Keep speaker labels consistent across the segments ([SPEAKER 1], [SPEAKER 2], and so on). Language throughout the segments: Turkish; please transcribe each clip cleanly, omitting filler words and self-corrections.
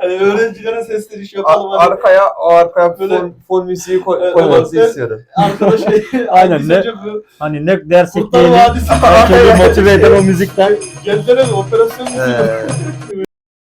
[SPEAKER 1] Hani öğrencilere sesleniş yapalım.
[SPEAKER 2] Arkaya
[SPEAKER 1] Böyle-
[SPEAKER 2] fon müziği
[SPEAKER 1] Evet,
[SPEAKER 2] koymanızı
[SPEAKER 1] evet.
[SPEAKER 2] istiyorum.
[SPEAKER 1] Arkadaş
[SPEAKER 3] Aynen, ne?
[SPEAKER 1] bu
[SPEAKER 3] Hani ne dersek
[SPEAKER 1] Kurtlar
[SPEAKER 3] diyelim,
[SPEAKER 1] Vadisi
[SPEAKER 3] herkesi motive eder o müzikten.
[SPEAKER 1] Gençlere mi? Operasyon müziği.
[SPEAKER 2] Ee,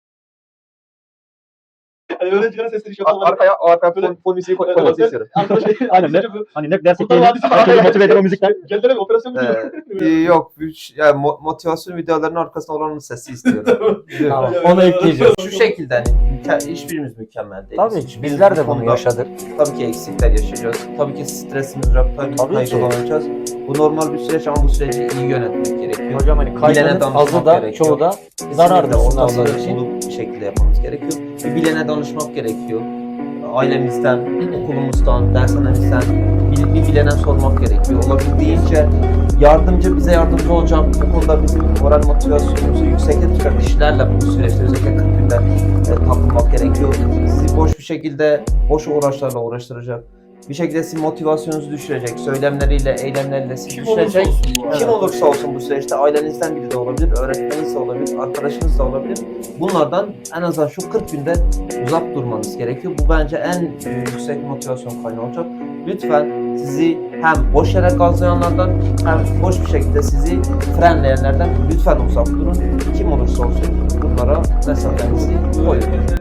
[SPEAKER 1] Hani öğrencilere sesleniş yapalım.
[SPEAKER 2] arkaya
[SPEAKER 1] Böyle-
[SPEAKER 2] fon müziği
[SPEAKER 1] Evet,
[SPEAKER 2] koymanızı
[SPEAKER 1] evet.
[SPEAKER 2] istiyorum.
[SPEAKER 1] Arkadaş
[SPEAKER 3] Aynen, ne?
[SPEAKER 1] bu
[SPEAKER 3] Hani ne dersek
[SPEAKER 1] Kurtlar
[SPEAKER 3] diyelim,
[SPEAKER 1] Vadisi
[SPEAKER 3] herkesi motive eder o müzikten.
[SPEAKER 1] Gençlere mi? Operasyon müziği.
[SPEAKER 2] Yok, yani motivasyon videolarının arkasında olanın sesi istiyorum.
[SPEAKER 3] Tamam, onu ekleyeceğiz.
[SPEAKER 2] Şu şekilde hani hiçbirimiz mükemmel değiliz.
[SPEAKER 3] Tabii ki
[SPEAKER 2] Hiçbirimiz
[SPEAKER 3] bizler de
[SPEAKER 2] bu
[SPEAKER 3] bunu
[SPEAKER 2] konuda
[SPEAKER 3] yaşadık.
[SPEAKER 2] Tabii ki eksikler yaşayacağız. Tabii ki stresimiz var. Tabii
[SPEAKER 3] Tabii ki.
[SPEAKER 2] kaygılanacağız. Bu normal bir süreç ama bu süreci iyi yönetmek gerekiyor.
[SPEAKER 3] Hocam hani
[SPEAKER 2] Bilene
[SPEAKER 3] kaygının
[SPEAKER 2] danışmak
[SPEAKER 3] azı da
[SPEAKER 2] gerekiyor.
[SPEAKER 3] çoğu da zarardır
[SPEAKER 2] Kesinlikle
[SPEAKER 3] sınavlar
[SPEAKER 2] ortasını
[SPEAKER 3] için.
[SPEAKER 2] bulup bir şekilde yapmamız gerekiyor. Bir bilene danışmak gerekiyor. Ailemizden, okulumuzdan, dershanemizden bir bilene sormak gerekiyor. Olabildiğince bize yardımcı olacak, bu konuda bizim moral motivasyonumuzu yüksekte tutan kişilerle bu süreçte özellikle 40 günde takılmak gerekiyor. Sizi boş uğraşlarla uğraştıracak. Bir şekilde sizin motivasyonunuzu düşürecek, söylemleriyle, eylemleriyle sizi
[SPEAKER 1] Kim olursa
[SPEAKER 2] düşürecek.
[SPEAKER 1] olsun bu arada.
[SPEAKER 2] Kim olursa olsun bu süreçte ailenizden biri de olabilir, öğretmeniniz de olabilir, arkadaşınız da olabilir. Bunlardan en azından şu 40 günde uzak durmanız gerekiyor. Bu bence en yüksek motivasyon kaynağı olacak. Lütfen sizi hem boş yere gazlayanlardan hem boş bir şekilde sizi frenleyenlerden lütfen uzak durun. Kim olursa olsun bunlara mesafenizi koyun.